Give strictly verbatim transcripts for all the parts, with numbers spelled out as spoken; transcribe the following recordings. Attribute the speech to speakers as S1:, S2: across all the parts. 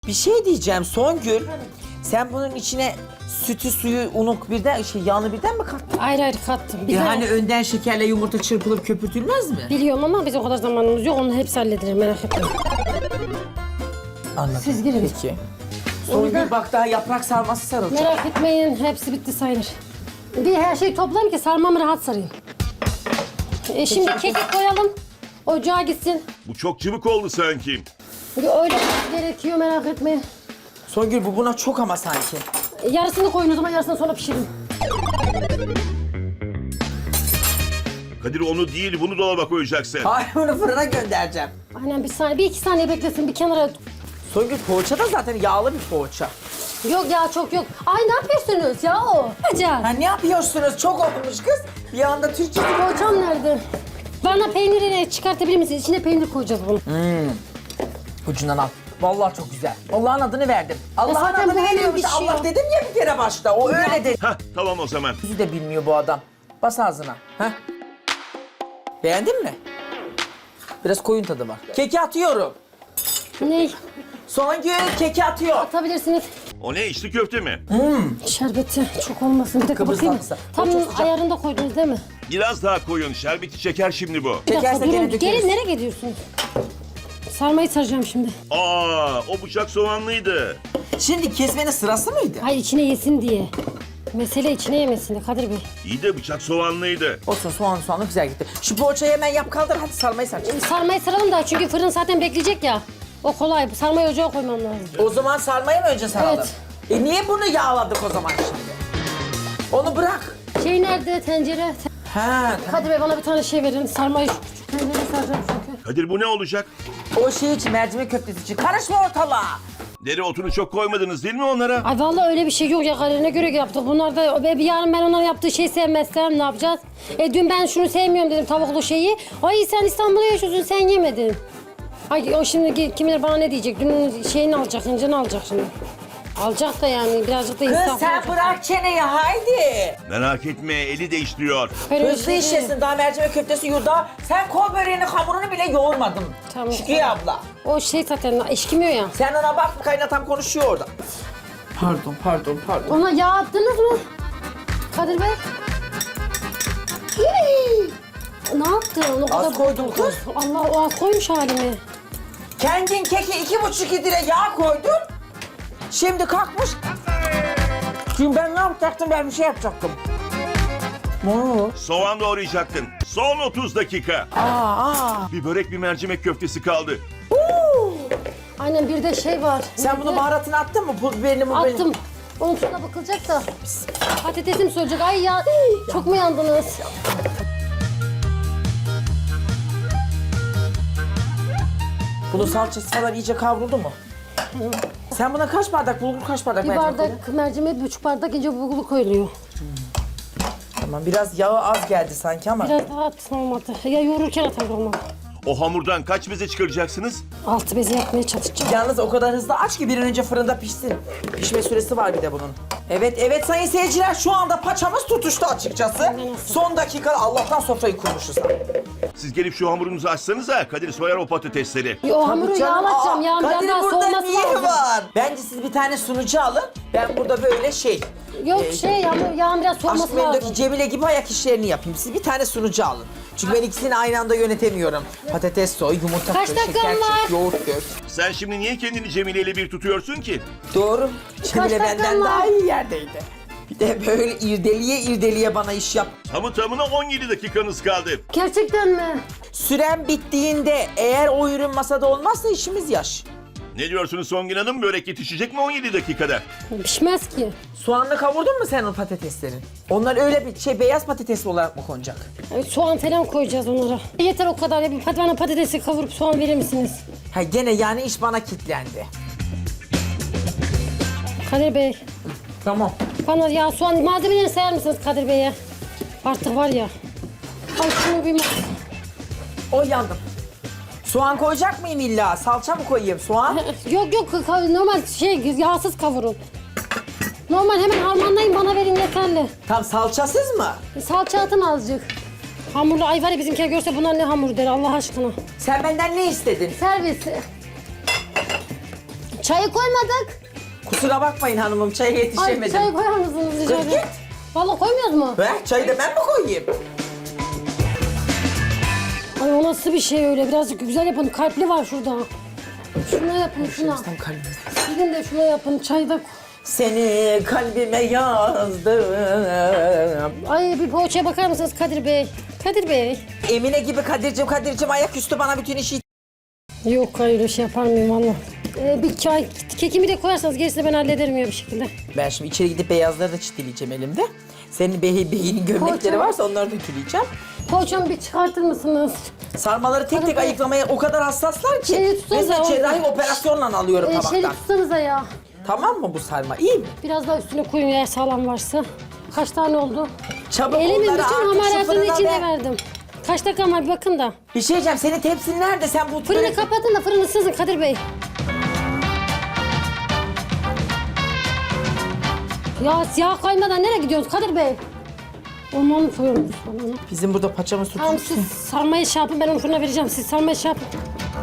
S1: Bir şey diyeceğim Songül. Sen bunun içine sütü, suyu, unu birden, şey, yağını birden mi kattın?
S2: Ayrı ayrı kattım.
S1: E
S2: Bize
S1: hani önden şekerle yumurta çırpılıp köpürtülmez mi?
S2: biliyorum ama biz o kadar zamanımız yok. Onu hepsi hallederim, merak etmeyin.
S1: Anladım.
S2: Siz girin.
S1: Peki.
S2: O
S1: Songül
S2: yüzden-
S1: bak daha yaprak sarması sarılacak.
S2: Merak etmeyin, hepsi bitti sayılır. Bir her şeyi toplayayım ki sarmamı rahat sarayım. E şimdi kekik koyalım. Ocağa gitsin.
S3: Bu çok cıvık oldu sanki.
S2: Öyle gerekiyor, merak etmeyin.
S1: Songül bu buna çok ama sanki.
S2: E, Yarısını koyun o zaman, yarısını sonra pişirin.
S3: Kadir onu değil bunu dolaba koyacaksın.
S1: Hayır bunu fırına göndereceğim.
S2: Aynen, bir saniye, bir iki saniye beklesin, bir kenara.
S1: Songül poğaça da zaten yağlı bir poğaça.
S2: Yok ya, çok yok. Ay ne yapıyorsunuz ya o? Hocam.
S1: Ha ne yapıyorsunuz? Çok olmuş kız. Bir anda Türkçe.
S2: Poğaçam nerede? Bana peynirini çıkartabilir misiniz? İçine peynir koyacağız bunu.
S1: Ucundan al. Vallahi çok güzel. Allah'ın adını verdim. Allah'ın
S2: zaten bu
S1: adını
S2: hemen
S1: veriyormuş.
S2: pişiyor.
S1: Allah dedim ya bir kere başta. O öyle dedi.
S3: Hah tamam o zaman.
S1: Yüzü de bilmiyor bu adam. Bas ağzına. Heh. Beğendin mi? Biraz koyun tadı var. Keki atıyorum.
S2: Ne?
S1: Songül keki atıyor.
S2: Atabilirsiniz.
S3: O ne içli köfte mi?
S2: Şerbeti çok olmasın. Bir dakika
S1: Kıbrıs
S2: bakayım.
S1: tatlısı.
S2: Tam
S1: O çok sıcak.
S2: ayarında koydunuz değil mi?
S3: Biraz daha koyun şerbeti çeker şimdi bu.
S2: Bir dakika
S1: Çekerse gene
S2: durun.
S1: dökeriz.
S2: Gelin, nereye gidiyorsunuz? Sarmayı saracağım şimdi.
S3: Aa o bıçak soğanlıydı.
S1: Şimdi kesmenin sırası mıydı?
S2: Hayır, içine yesin diye. Mesele içine yemesin de Kadir Bey.
S3: İyi de bıçak soğanlıydı.
S1: Olsun soğan soğanlı güzel gitti. Şu poğaçayı hemen yap kaldır hadi sarmayı sar.
S2: Sarmayı saralım da çünkü fırın zaten bekleyecek ya. O kolay. Sarmayı ocağa koymam lazım.
S1: O zaman sarmayı mı önce saralım?
S2: Evet.
S1: E niye bunu yağladık o zaman şimdi? Onu bırak.
S2: Şey nerede? Tencere.
S1: Ha tamam.
S2: Kadir Bey bana bir tane şey verin. Sarmayı şu küçük tencereye saracağım çünkü.
S3: Kadir bu ne olacak?
S1: O şey için mercimek köftesi için. Karışma ortalığa.
S3: Dereotunu çok koymadınız değil mi onlara?
S2: Ay vallahi öyle bir şey yok ya, Kadir'ine göre yaptık. Bunlar da be- bir yarın ben onların yaptığı şeyi sevmezsem ne yapacağız? E dün ben şunu sevmiyorum dedim, tavuklu şeyi. Ay sen İstanbul'da yaşıyorsun, sen yemedin. Ay o şimdi kim bilir bana ne diyecek? Dün şeyini alacak, incini alacak şimdi. Alacak da yani birazcık da
S1: Kız
S2: insaf
S1: sen
S2: olacak.
S1: bırak çeneyi haydi.
S3: Merak etme eli değiştiriyor.
S2: Öyle bir
S1: Hızlı
S2: şey değil.
S1: işlesin daha mercimek köftesi yurda. Sen kol böreğinin hamurunu bile yoğurmadın.
S2: Tamam.
S1: Şükriye abla.
S2: O şey zaten eşkimiyor ya.
S1: Sen ona bak kaynatam konuşuyor orada. Pardon pardon pardon.
S2: Ona yağ attınız mı? Kadir Bey? Hii! Ne yaptın? O kadar
S1: Az koydum kız.
S2: Allah, o az koymuş halimi.
S1: Kendin keki iki buçuk litre yağ koydun. Şimdi kalkmış. Şimdi ben ne yapacaktım? Ben bir şey yapacaktım. Ne oldu?
S3: Soğan doğrayacaktın. Son otuz dakika.
S1: Aa, aa.
S3: Bir börek bir mercimek köftesi kaldı.
S2: Aynen, bir de şey var.
S1: Sen
S2: Neydi?
S1: bunu baharatını attın mı? Pul biberini mi?
S2: Attım. Onun tuzuna bakılacak da. Patatesim söyleyecek. Ay ya, çok mu yandınız?
S1: Bunun salçası falan iyice kavruldu mu? Sen buna kaç bardak bulgur, kaç bardak
S2: Bir
S1: mercimek koydun?
S2: bardak mercimek, bir buçuk bardak ince bulgur koyuluyor.
S1: Tamam, biraz yağı az geldi sanki ama.
S2: Biraz daha at olmadı. Ya yoğururken atar olmadı.
S3: O hamurdan kaç beze çıkaracaksınız?
S2: Altı bezi yapmaya çalışacağım.
S1: Yalnız o kadar hızlı aç ki bir an önce fırında pişsin. Pişme süresi var bir de bunun. Evet, evet sayın seyirciler şu anda paçamız tutuştu açıkçası.
S2: nasıl?
S1: Son dakika Allah'tan sofrayı kurmuşuz.
S3: Siz gelip şu hamurunuzu açsanıza Kadir soyar o patatesleri.
S2: Ya o hamuru
S1: Tabii canım,
S2: yağlatacağım.
S1: aa,
S2: Yağın biraz
S1: Kadir
S2: daha
S1: burada
S2: soğuması
S1: niye
S2: lazım.
S1: var? Bence siz bir tane sunucu alın. Ben burada böyle şey...
S2: Yok
S1: e,
S2: şey yağın, yağın biraz
S1: Aşk
S2: soğuması
S1: Memnu'daki
S2: lazım.
S1: Cemile gibi ayak işlerini yapayım. Siz bir tane sunucu alın. Çünkü ben ikisini aynı anda yönetemiyorum. Patates soy, yumurta
S2: Kaç
S1: kır,
S2: dakikam
S1: şeker
S2: var?
S1: çek, yoğurt dök.
S3: Sen şimdi niye kendini Cemile ile bir tutuyorsun ki?
S1: Doğru. Cemile
S2: dakikam
S1: benden
S2: var?
S1: daha iyi yerdeydi. Bir de böyle irdeliye irdeliye bana iş yap.
S3: Tamı tamına on yedi dakikanız kaldı.
S2: Gerçekten mi?
S1: Süren bittiğinde eğer o ürün masada olmazsa işimiz yaş.
S3: Ne diyorsunuz Songül Hanım? Börek yetişecek mi on yedi dakikada?
S2: Pişmez ki.
S1: Soğanlı kavurdun mu sen o patateslerin? Onlar öyle bir şey beyaz patates olarak mı konacak?
S2: Evet, soğan falan koyacağız onlara. Yeter o kadar. Ya, bir pat- bana patatesi kavurup soğan verir misiniz?
S1: Ha gene yani iş bana kilitlendi.
S2: Kadir Bey,
S1: Tamam.
S2: bana ya soğan malzemelerini sayar mısınız Kadir Bey'e? Artık var ya. Ay şunu bir...
S1: O yandım. Soğan koyacak mıyım illa? Salça mı koyayım? Soğan?
S2: Yok yok, ka- normal şey yağsız kavurun. Normal hemen harmanlayın, bana verin yeterli.
S1: Tam salçasız mı?
S2: Salça atın azıcık. Hamurlu, ay var ya bizimkiler görse bunlar ne hamur der Allah aşkına.
S1: Sen benden ne istedin?
S2: Servis. Çayı koymadık.
S1: Kusura bakmayın hanımım, çaya
S2: Ay
S1: yetişemedim.
S2: çayı koyar mısınız rica
S1: Kız
S2: ederim?
S1: git.
S2: Valla koymuyoruz mu?
S1: Ver, çayı da ben mi koyayım?
S2: Ay o nasıl bir şey öyle? Birazcık güzel yapın. Kalpli var şurada. Şuna yapın şuna.
S1: Tam kalbime.
S2: Gidin de şuna yapın. Çayı da...
S1: Seni kalbime yazdım.
S2: Ay bir poğaçaya bakar mısınız Kadir Bey? Kadir Bey.
S1: Emine gibi Kadir'cim, Kadir'cim ayaküstü bana bütün işi...
S2: Yok hayır öyle şey yapar mıyım valla. Ee, bir çay, kekimi de koyarsanız gerisini ben hallederim ya bir şekilde.
S1: Ben şimdi içeri gidip beyazları da çitleyeceğim elimde. Senin bey, beyinin gömlekleri
S2: Poğaça-
S1: varsa onları da ütüleyeceğim.
S2: Poğaçamı bir çıkartır mısınız?
S1: Sarmaları tek tek
S2: Hadi.
S1: ayıklamaya o kadar hassaslar ki.
S2: Şeyi tutsanıza,
S1: Mesela
S2: o-
S1: cerrahi operasyonla alıyorum
S2: Ee, şeyi
S1: tabaktan.
S2: tutsanıza ya.
S1: Tamam mı bu sarma? İyi mi?
S2: Biraz daha üstüne koyun eğer sağlam varsa. Kaç tane oldu?
S1: Çabuk
S2: Elimin
S1: onları
S2: bütün
S1: artık şu
S2: hamaratını
S1: fırına
S2: içine
S1: ver.
S2: verdim. Kaç dakika var bir bakın da.
S1: Bir şey diyeceğim, senin tepsin nerede? Sen bu...
S2: Fırını
S1: böyle-
S2: kapatın da fırını sızın Kadir Bey. Ya siyah kaymadan nereye gidiyoruz Kadir Bey? Ondan mı koyuyorsunuz falan?
S1: Bizim burada paçamız
S2: Tamam
S1: tutmuş.
S2: siz sarmayı şey yapın ben onu fırına vereceğim. Siz sarmayı şey yapın.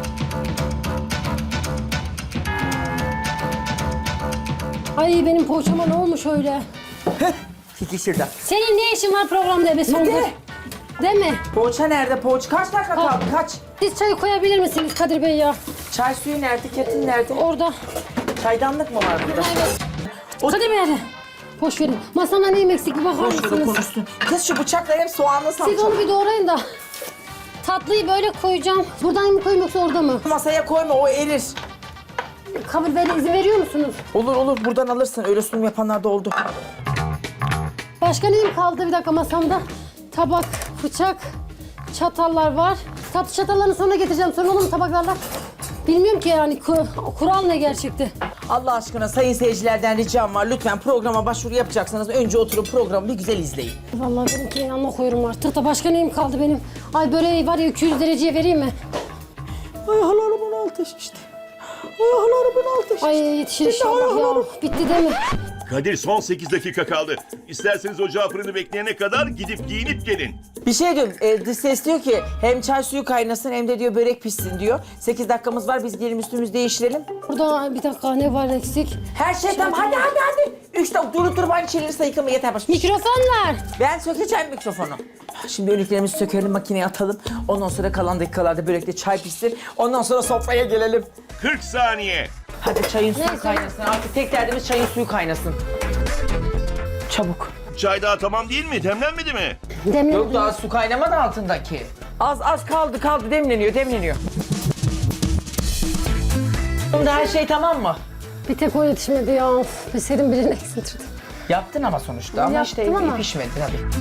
S2: Ay benim poğaçama ne olmuş öyle?
S1: Fikri şurada.
S2: Senin ne işin var programda be Songül?
S1: Ne?
S2: Değil mi?
S1: Poğaça nerede? Poğaça kaç dakika
S2: Ha.
S1: kaldı? Kaç?
S2: Siz çayı koyabilir misiniz Kadir Bey ya?
S1: Çay suyu nerede? Ketin nerede?
S2: Orada.
S1: Çaydanlık mı var burada? O-
S2: Kadir Bey hadi. Boş verin. Masanda neyim eksik bir bakar
S1: Boş ver, o
S2: mısınız?
S1: konuşsun. Kız şu bıçakla hep soğanlı
S2: Siz
S1: salça.
S2: onu bir doğrayın da. Tatlıyı böyle koyacağım. Buradan mı koyayım yoksa orada mı?
S1: Masaya koyma, o erir.
S2: Kabul ver, izin veriyor musunuz?
S1: Olur olur, buradan alırsın. Öyle sunum yapanlar da oldu.
S2: Başka neyim kaldı bir dakika masamda? Tabak, bıçak, çatallar var. Tatlı çatallarını sonra getireceğim. Sonra olur mu tabaklarla? Bilmiyorum ki yani ku- kural ne gerçekte.
S1: Allah aşkına sayın seyircilerden ricam var. Lütfen programa başvuru yapacaksanız önce oturup programı bir güzel izleyin.
S2: Vallahi benimki yanına koyuyorum artık da başka neyim kaldı benim? Ay böreği var ya iki yüz dereceye vereyim mi?
S1: Ayaklarımın altı şişti. Ayaklarımın altı şişti.
S2: Ay yetişir
S1: Şimdi
S2: inşallah ya.
S1: ayaklarım.
S2: Bitti değil mi?
S3: Kadir son sekiz dakika kaldı. İsterseniz ocağı fırını bekleyene kadar gidip giyinip gelin.
S1: Bir şey diyorum, e, dış ses diyor ki hem çay suyu kaynasın hem de diyor börek pişsin diyor. sekiz dakikamız var, biz gelin üstümüzü değiştirelim.
S2: Burada bir dakika ne var eksik?
S1: Her şey tamam, hadi hadi hadi. Üç dakika durup durup aynı şeyleri sayıklama yeter başım.
S2: Mikrofon var.
S1: Ben sökeceğim mikrofonu. Şimdi önlüklerimizi sökelim, makineye atalım. Ondan sonra kalan dakikalarda börekte çay pişsin. Ondan sonra sofraya gelelim.
S3: kırk saniye.
S1: Hadi çayın suyu
S2: Neyse.
S1: kaynasın. Artık tek derdimiz çayın suyu kaynasın. Çabuk.
S3: Çay daha tamam değil mi? Demlenmedi mi?
S2: Demir.
S1: Yok daha su kaynamadı altındaki. Az az kaldı kaldı, demleniyor demleniyor. Şimdi her şey tamam mı?
S2: Bir tek o yetişmedi ya. Of, bir serin birini eksiltirdim.
S1: Yaptın ama sonuçta ama
S2: Yaptım
S1: işte
S2: ama.
S1: pişmedi hadi.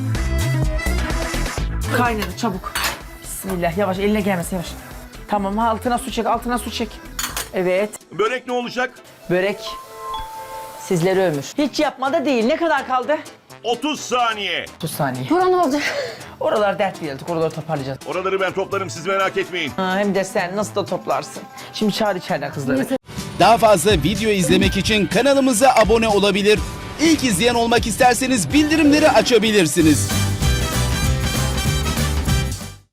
S1: Kaynadı çabuk. Bismillah, yavaş, eline gelmesin, yavaş. Tamam, altına su çek, altına su çek. Evet,
S3: Börek ne olacak?
S1: börek sizleri ömür. Hiç yapmadı değil. Ne kadar kaldı?
S3: otuz saniye.
S1: otuz saniye.
S2: Buran olacak.
S1: Oralar dert değil, oraları toparlayacağız.
S3: Oraları ben toplarım, siz merak etmeyin.
S1: Ha, hem de sen nasıl da toplarsın. Şimdi çağır içeriden kızları.
S4: Daha fazla video izlemek için kanalımıza abone olabilir. İlk izleyen olmak isterseniz bildirimleri açabilirsiniz.